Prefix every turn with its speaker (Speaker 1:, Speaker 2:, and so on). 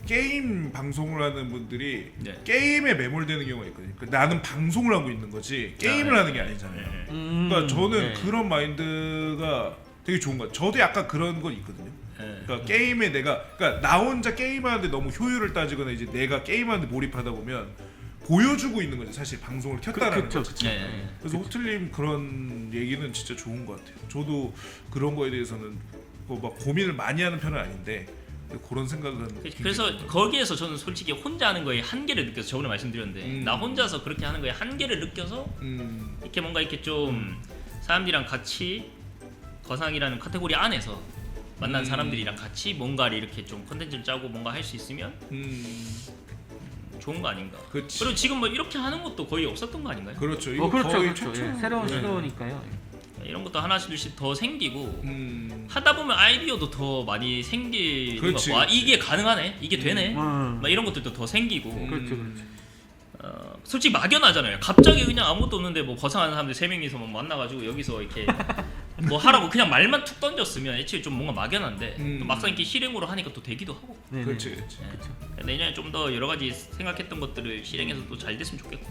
Speaker 1: 게임 방송을 하는 분들이
Speaker 2: 네.
Speaker 1: 게임에 매몰되는 경우가 있거든요. 그러니까 나는 방송을 하고 있는 거지 게임을 하는 게 아니잖아요. 그러니까 저는 그런 마인드가 되게 좋은 것 같아요. 저도 약간 그런 건 있거든요. 그러니까 게임에 그러니까 나 혼자 게임하는데 너무 효율을 따지거나 이제 내가 게임하는데 몰입하다 보면 보여주고 있는 거죠. 사실 방송을 켰다라는 거죠. 그래서 호틀님 그런 얘기는 진짜 좋은 것 같아요. 저도 그런 거에 대해서는 뭐 막 고민을 많이 하는 편은 아닌데 그런 생각은
Speaker 2: 그래서 거기에서 저는 솔직히 혼자 하는 거에 한계를 느껴서 저번에 말씀드렸는데 나 혼자서 그렇게 하는 거에 한계를 느껴서 이렇게 뭔가 이렇게 좀 사람들이랑 같이 거상이라는 카테고리 안에서 만난 사람들이랑 같이 뭔가를 이렇게 좀 컨텐츠를 짜고 뭔가 할 수 있으면 좋은 거 아닌가.
Speaker 1: 그치.
Speaker 2: 그리고 지금 뭐 이렇게 하는 것도 거의 없었던 거 아닌가요?
Speaker 1: 그렇죠. 이거
Speaker 3: 그렇죠,
Speaker 1: 거의
Speaker 3: 그렇죠.
Speaker 1: 최초.
Speaker 3: 예, 새로운 시도니까요.
Speaker 2: 이런 것도 하나씩 둘씩 더 생기고 하다 보면 아이디어도 더 많이 생기는 거
Speaker 1: 그렇지,
Speaker 2: 같고 아,
Speaker 1: 그렇지.
Speaker 2: 이게 가능하네, 이게 되네, 막 이런 것들도 더 생기고.
Speaker 3: 그렇죠.
Speaker 2: 솔직히 막연하잖아요. 갑자기 그냥 아무것도 없는데 뭐 거상하는 사람들 3명이서 뭐 만나가지고 여기서 이렇게 뭐 하라고 그냥 말만 툭 던졌으면 애초에 좀 뭔가 막연한데 또 막상 이렇게 실행으로 하니까 또 되기도 하고.
Speaker 1: 그렇지, 그렇지.
Speaker 2: 내년에 좀 더 여러 가지 생각했던 것들을 실행해서 또 잘 됐으면 좋겠고.